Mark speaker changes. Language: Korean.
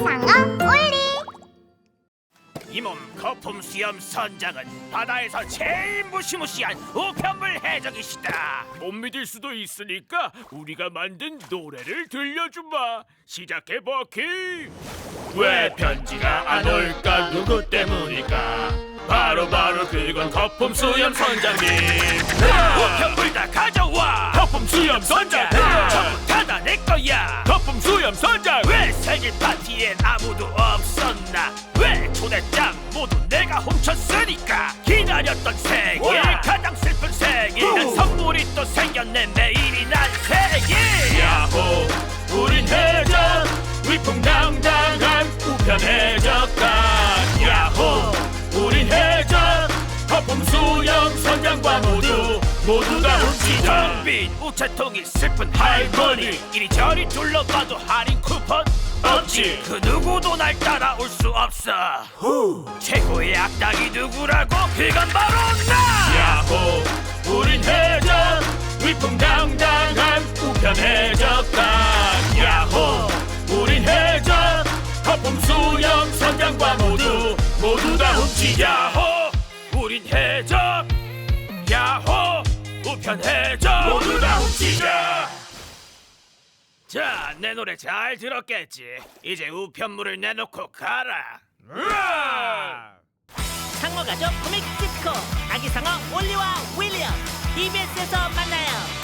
Speaker 1: 아기상어 올리.
Speaker 2: 이 몸 거품 수염 선장은 바다에서 제일 무시무시한 우편물 해적이시다. 못 믿을 수도 있으니까 우리가 만든 노래를 들려주마. 시작해 버키. 왜 편지가 안 올까? 누구 때문일까? 바로 그건 거품 수염 선장님. 우편물 다 가져와. 거품 수염 선장. 전부 다 내 거야. 거품 수염 선장. 왜 생일 파티엔 아무도 없었나? 왜 초대장 모두 내가 훔쳤으니까. 기다렸던 생일 가장 슬픈 생일. 난 선물이 또 생겼네. 매일이 난 생일. 야호 우린 해적 위풍당당한 우편 해적단. 야호 우린 해적 거품 수염 선장과 모두 다 훔치자. 빈 우체통이 슬픈 할머니. 이리저리 둘러봐도 할인 쿠폰 없지. 그 누구도 날 따라올 수 없어. 최고의 악당이 누구라고? 그건 바로 나. 야호 우린 해적 위풍당당한 우편 해적단. 야호 우린 해적 거품 수염 선장과 모두 다 훔치자. 야호 우린 해적. 야호 우편 해적 모두 다 훔치자. 자, 내 노래 잘 들었겠지? 이제 우편물을 내놓고 가라.
Speaker 3: 상어 가족 코믹 디스코 아기상어 올리와 윌리엄 EBS에서 만나요.